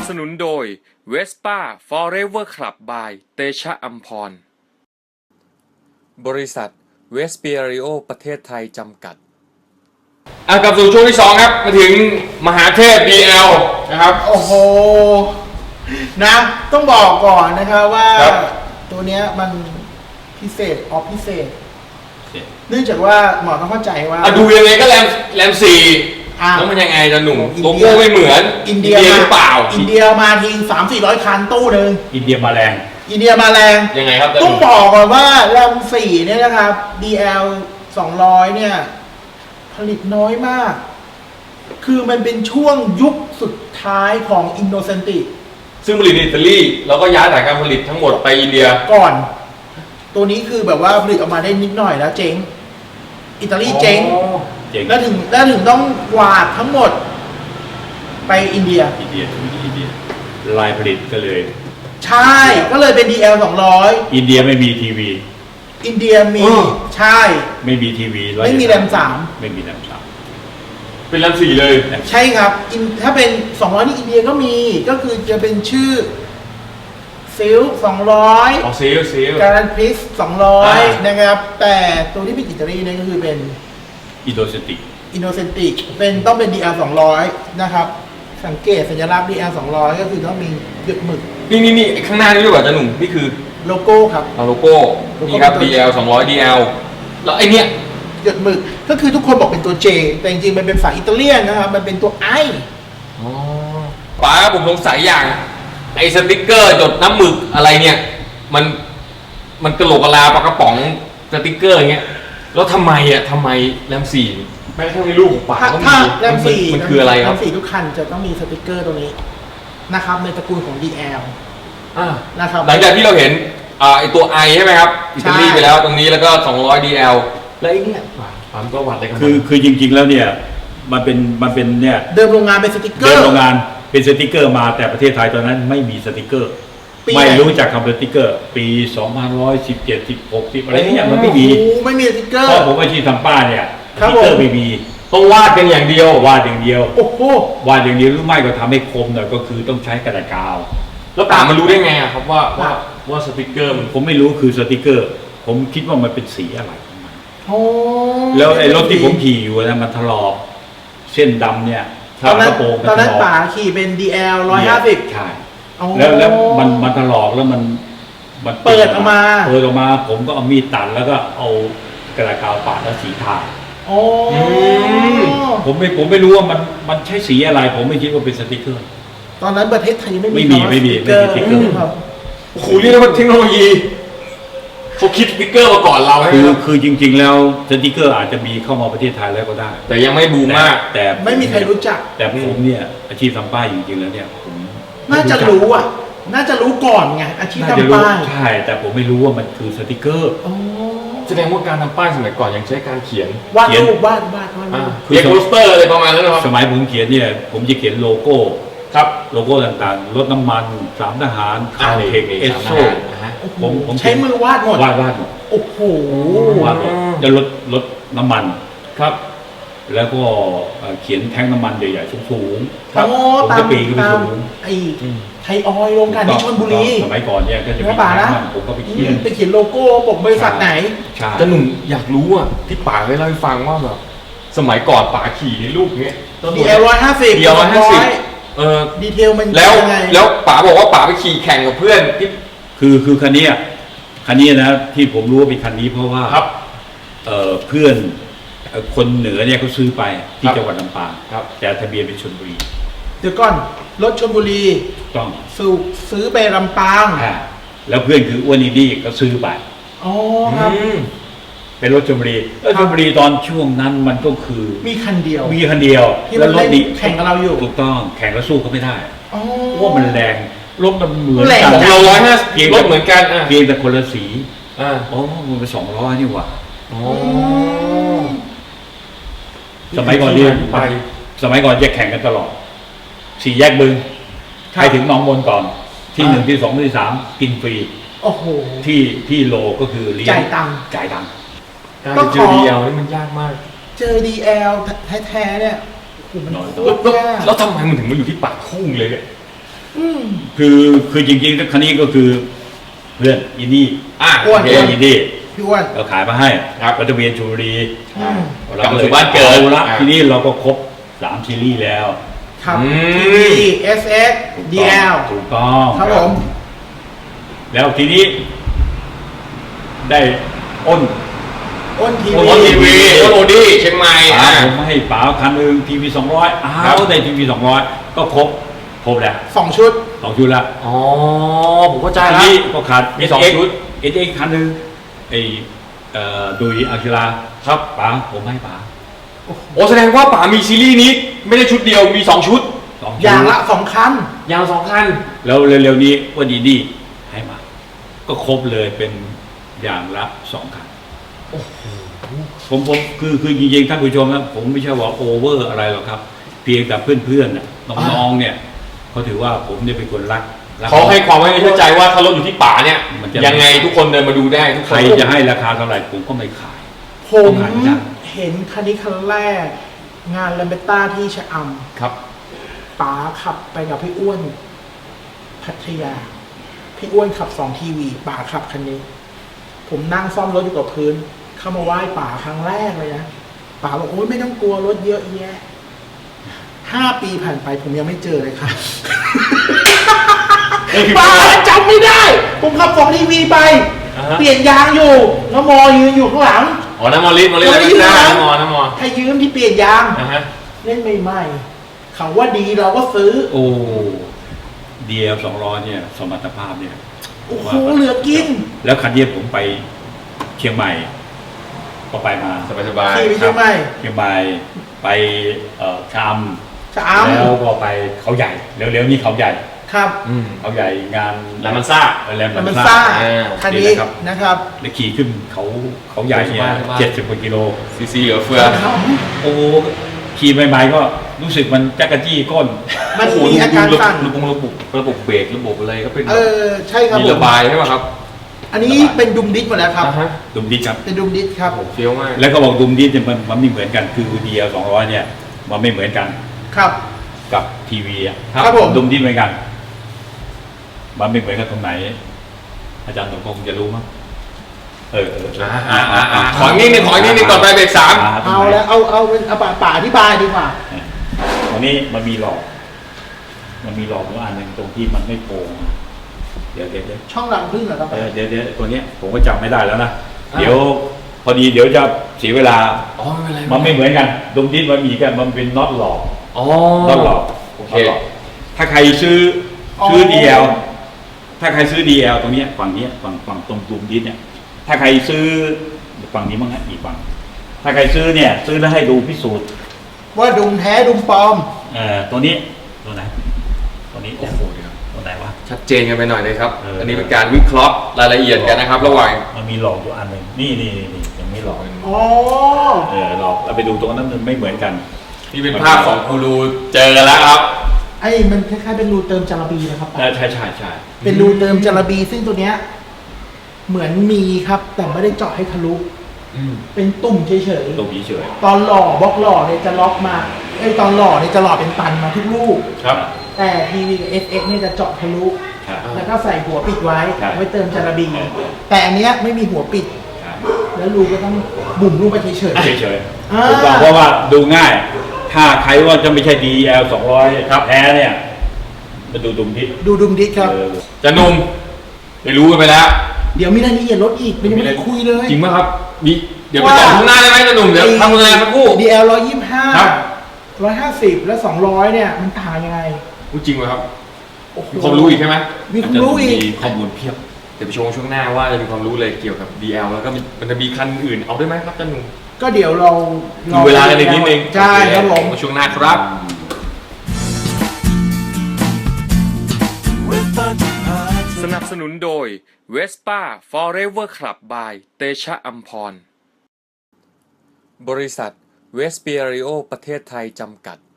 สนุนโดย Vespa Forever Club by เตชะอัมพรบริษัทเวสเปียริโอประเทศไทยจำกัดกลับสู่ช่วงที่2ครับมาถึงมหาเทพ DL นะครับโอ้โหนะต้องบอกก่อนนะครับว่าตัวเนี้ยมันพิเศษพิเศษเนื่องจากว่าหมอต้องเข้าใจว่าดูยังไงก็แรม4แล้วมันยังไงจะหนุ่มโลโก้ไม่เหมือนอินเดียหรือเปล่าอินเดียมาที300-400 คันตู้หนึ่งอินเดียมาแรงยังไงครับต้องบอกก่อนว่าแรม4เนี่ยนะครับ DL 200เนี่ยผลิตน้อยมากคือมันเป็นช่วงยุคสุดท้ายของอินโนเซนติซึ่งผลิตในอิตาลีแล้วก็ย้ายฐานการผลิตทั้งหมดไปอินเดียก่อนตัวนี้คือแบบว่าผลิตออกมาได้นิดหน่อยแล้วเจ๊งอิตาลีเจ๊งแล้วถึงต้องกวาดทั้งหมดไปอินเดียลายผลิตก็เลยใช่ก็เลยเป็น DL 200 อินเดียไม่มีทีวีอินเดียมีใช่ไม่มีทีวีไม่มีแรม3 ไม่มีแรม3 เป็นแรม4เลยใช่ครับถ้าเป็น200นี่อินเดียก็มีก็คือจะเป็นชื่อซิล200 ซิลการันพิส200นะครับแต่ตัวที่เป็นอิตาลีเนี่ยก็คือเป็นอินโนเซนติกเป็นต้องเป็น DL 200นะครับสังเกตสัญลักษณ์ DL 200ก็คือต้องมีหยึดหมึกนี่ข้างหน้านี่ด้วยป่ะจ๊ะหนุ่มนี่คือโลโก้ครับโลโก้นี่ครับ DL 200 DL แล้วไอเนี้ยหยึดหมึกก็คือทุกคนบอกเป็นตัว J แต่จริงๆมันเป็นฝาอิตาเลียนนะครับมันเป็นตัว I ป๋าผมสงสัยอย่างไอสติ๊กเกอร์จดน้ำหมึกอะไรเนี่ยมันกระโหลกกะลาปากกระป๋องสติ๊กเกอร์อย่างเงี้ยแล้วทำไมแรม4แม้กระทั่งในรูปของป๋าก็มีแรม4 มันคืออะไรครับแรม4ทุกคันจะต้องมีสติ๊กเกอร์ตัวนี้นะครับในตระกูลของ DL นะครับหลังจากที่เราเห็นไอตัว I ใช่ไหมครับอิตาลีไปแล้วตรงนี้แล้วก็200 DL แล้วไอเนี่ยป๋าก็วัดอะไรกันคือจริงๆแล้วเนี่ยมันเป็นเนี่ยเดิมโรงงานเป็นสติ๊กเกอร์เดิมโรงงานเป็นสติกเกอร์มาแต่ประเทศไทยตอนนั้นไม่มีสติกเกอร์ไม่รู้จักคำสติกเกอร์ปี2117 16อะไรนี่มันไม่มีสติกเกอร์เพราะผมอาชีพทำป้าเนี่ยสติกเกอร์ไม่มีต้องวาดกันอย่างเดียววาดอย่างเดียววาดอย่างเดียวหรือไม่ก็ทำให้คมหน่อยก็คือต้องใช้กระดาษกาวแล้วป๋ามันรู้ได้ไงครับว่าสติกเกอร์ผมไม่รู้คือสติกเกอร์ผมคิดว่ามันเป็นสีอะไรแล้วไอ้รถที่ผมขี่อยู่นะมันถลอกเส้นดำเนี่ยตอนนั้นป๋าขี่เป็น DL 150 ใช่แล้วมันถลอกแล้วมันเปิดออกมาผมก็เอามีดตัดแล้วก็เอากระดาษกาวปาดแล้วสีทาผมไม่รู้ว่ามันใช้สีอะไรผมไม่คิดว่าเป็นสติกเกอร์ตอนนั้นประเทศไทยไม่มีสติกเกอร์โอ้โหนี่มันเทคโนโลยีเขาคิดสติกเกอร์มาก่อนเราคือจริงๆแล้วสติกเกอร์อาจจะมีเข้ามาประเทศไทยแล้วก็ได้แต่ยังไม่บูมมากแต่ไม่มีใครรู้จักแต่ผมเนี่ยอาชีพทำป้ายจริงๆแล้วเนี่ยผมน่าจะรู้ก่อนไงอาชีพทำป้ายใช่แต่ผมไม่รู้ว่ามันคือสติกเกอร์แสดงว่าการทำป้ายสมัยก่อนยังใช้การเขียนวาดรูปคือโปสเตอร์อะไรประมาณนั้นนะครับสมัยผมเขียนเนี่ยผมจะเขียนโลโก้ครับโลโก้ต่างๆรถน้ำมัน3ทหารคาเทคเอสโซผมใช้มือวาดหมดโอ้โหวาดหมดจะรถน้ำมันครับแล้วก็เขียนแท่งน้ำมันใหญ่ๆสูงๆผมจะปีนขึ้นไปสูงไอ้ไทยออยล์โรงกลั่นที่ชลบุรีสมัยก่อนเนี่ยก็จะมีแท่งน้ำมันผมก็ไปเขียนโลโก้บอกบริษัทไหนแต่หนุ่มอยากรู้อ่ะที่ป๋าเคยเล่าให้ฟังว่าแบบสมัยก่อนป๋าขี่ในรูปเนี้ย DL 150 DL 150ดีเทลมันแล้วป๋าบอกว่าป๋าไปขี่แข่งกับเพื่อนที่คือคันนี้นะที่ผมรู้ว่าเป็นคันนี้เพราะว่าเพื่อนคนเหนือเนี่ยเขาซื้อไปที่จังหวัดลำปางแต่ทะเบียนเป็นชลบุรีเดี๋ยวก่อนรถชลบุรีต้องซื้อไปลำปางแล้วเพื่อนคืออ้วนอินดี้ก็ซื้อไปครับเป็นรถชลบุรีตอนช่วงนั้นมันก็คือมีคันเดียวแล้วรถนี้แข่งกับเราอยู่ถูกต้องแข่งแล้วสู้เขาไม่ได้ว่ามันแรงรถมันเหมือนกันเรา150รถเหมือนกันเพียงแต่คนละสีมันเป็น200นี่หว่าสมัยก่อนจะแข่งกันตลอด4 แยกบึงใครถึงหนองมนก่อนที่1ที่2ที่3กินฟรีที่โลก็คือจ่ายตังค์การเจอ DL นี่มันยากมากเจอ DL แท้ๆเนี่ยแล้วทำไมมันถึงมาอยู่ที่ปากคุ้งเลยเนี่ยคือจริงๆคันนี้ก็คือเพื่อนอินดี้อ้วนเพื่อนอินดี้พี่อ้วนเราขายมาให้ครับรัตเวียนชูรีกลับมาสู่บ้านเกิดอละทีนี้เราก็ครบ3ซีรีส์แล้วครับอืมทีวี SX DL ถูกต้องครับผมแล้วทีนี้ ได้อ้นอ้นทีโอวีทีวีโอดี้เชียงใหม่ป๋าผมให้ป๋าคันหนึ่งทีวี200ได้ทีวี200ก็ครบแล้ว 2 ชุด 2 ชุดละอ๋อผมเข้าใจอันแล้วนี้ก็ขาดมีสองชุด SX คันหนึ่งไอ้ดุยอาคิราครับป๋าผมให้ป๋าโอ้แสดงว่าป๋ามีซีรีส์นี้ไม่ได้ชุดเดียวมี2ชุด 2 ชุดอย่างละ 2 คันยาว2คันแล้วเร็วๆนี้วันดีให้มา ก็ครบเลยเป็นอย่างละ2 คันผมคือจริงๆท่านผู้ชมนะผมไม่ใช่ว่าโอเวอร์อะไรหรอกครับ เพียงแต่เพื่อนๆน่ะน้องๆเนี่ยเขาถือว่าผมเนี่ยเป็นคนรักเขาให้ความไว้เชื่อใจว่าถ้ารถอยู่ที่ป๋าเนี่ยมันจะยังไงทุกคนเดินมาดูได้ทุกคใครนจะให้ราคาเท่าไหร่ผมก็ไม่ขายผมต้องหาที่นั่งเห็นคันนี้คันแรก งานแลมเบต้าที่ชะอครับำป๋าขับไปกับพี่อ้วน พัทยา พี่อ้วนขับ2 ทีวีป๋าขับคันนี้ ผมนั่งซ่อมรถอยู่กับพื้น เข้ามาไหว้ป๋าครั้งแรกเลยนะป๋าบอกโอ๊ยไม่ต้องกลัวรถเยอะแยะ5 ปีผ่านไปผมยังไม่เจอเลยครับ ป๋าจำไม่ได้ ผมขับ2 ทีวีไปอ่าฮะเปลี่ยนยางอยู่น้ำมอยืนอยู่ข้างหลังอ๋อน้ำมอลิสอะไรไม่ได้น้ำมอให้ยืมที่เปลี่ยนยางนะฮะเล่นใหม่ๆเขาว่าดีเราก็ซื้อโอ้DL 200เนี่ยสมรรถภาพเนี่ยโอ้โหเหลือกินแล้วคันนี้ผมไปเชียงใหม่ ก็ไปมาสบายขี่ไปเชียงใหม่เชียงใหม่ไปชามชะอแล้วก็ไปเขาใหญ่เร็วๆนี่เขาใหญ่ำครับเขาใหญ่งานแล้วมันซ่าแรมแล้วมันซ่าซ่าอ่าคันนี้นี่นะครับนะครับแล้วขี่ขึ้นเขาใหญ่เนี่ยสบายๆ 70 กว่ากิโลซีเหลือเฟือโอ้ขี่ใหม่ๆก็รู้สึกมันจักรจี้ก้นมันโอ้โหมีอาการสั่นระบบเบรกระบบอะไรก็เป็นใช่ครับมีผมระบายใช่ไหมครับอันนี้เป็นดุมดิสหมดแล้วครับอ่าฮะดุมดิสครับเป็นดุมดิสครับเฟี้ยวมากแล้วก็บอกดุมดิสเนี่ยมันไม่เหมือนกันคือ DL 200เนี่ยมันไม่เหมือนกันครับกับทีวีอ่ะครับผมดุมดิสเหมือนกัน มันไม่เหมือนกันตรงไหน อาจารย์สมพงษ์จะรู้มั้งขออีกนิดนึงก่อนไปเบรก3 เอาแล้วเอาป่าอธิบายดีกว่าวันนี้มันมีหลอกอยู่อันหนึ่งตรงที่มันไม่โปร่งเดี๋ยวช่องหลังพึ่งเหรอครับเดี๋ยวตัวเนี้ยผมก็จำไม่ได้แล้วนะเดี๋ยวพอดีเดี๋ยวจะเสียเวลาอ๋อไม่เป็นไรมันไม่เหมือนกันดุมดิสมันมีกันมันเป็นน็อตหลอกอ๋อน็อตหลอกโอเคน็ตหลอกถ้าใครซื้อ DL ถ้าใครซื้อ DL ตรงเนี้ยฝั่งเนี้ยฝั่งตรงดุมดิสเนี่ยถ้าใครซื้อฝั่งนี้มั้งฮะอีกฝั่งถ้าใครซื้อเนี่ยซื้อแล้วให้ดูพิสูจน์ว่าดุมแท้ดุมปลอมตัวนี้ตัวไหนตัวนี้โอ้โหตัวไหนวะชัดเจนกันไปหน่อยเลยครับเอออัอันนี้เป็นการวิเคราะห์รายละเอียดกันนะครับ ระหว่างมันมีหลอกอยู่อันหนึ่งนี่ยังไม่หลอกอ๋อหลอกเราไปดูตรงนั้นมันไม่เหมือนกันนี่เป็นภาพของกูรูเจอกันแล้วครับไอ้มันคล้ายๆเป็นรูเติมจาระบีนะครับใช่เป็นรูเติมจาระบีซึ่งตัวเนี้ยเหมือนมีครับ แต่ไม่ได้เจาะให้ทะลุ เป็นตุ่มเฉยตรงนี้เฉยๆ ตอนหล่อบล็อกหล่อเนี่ยจะล็อกมาตอนหล่อเนี่ยจะหล่อเป็นตันมาทุกลูกครับแต่ทีวีกับ SX เนี่ยจะเจาะทะลุครับแล้วก็ใส่หัวปิดไว้ครับไว้เติมจาระบี แต่อันเนี้ยไม่มีหัวปิด แล้วรูก็ต้องบุ่มรูปไปเฉยเฉยอ่าถูกต้องเพราะว่าดูง่าย ถ้าใครว่าจะไม่ใช่ DL 200แท้เนี่ยมาดูดุมทิศๆ ดูดุมดิสครับจะหนุ่มได้รู้กันไปแล้วเดี๋ยวมีรายละเอียดรถอีกมันยังไม่ได้คุยเลยจริงไหมครับมีเดี๋ยวไปต่อข้างหน้าได้ไหมจะหนุ่มเดี๋ยวทำงานสักครู่ DL ครับ 125 150 และ 200 เนี่ย มันต่างยังไงพูดจริงไหมครับโอ้โหมีความรู้อีกใช่ไหมมีความรู้อีกมีข้อมูลเพียบเดี๋ยวไปชมช่วงหน้าว่าจะมีความรู้เลยเกี่ยวกับ DL แล้วก็มันจะมีคันอื่นเอาได้ไหมครับจะหนุ่มก็เดี๋ยวเราดูเวลากันอีกนิดนึงใช่ครับผมช่วงหน้าครับสนับสนุนโดย Vespa Forever Club by เตชะอัมพร บริษัทเวสเปียริโอประเทศไทยจำกัด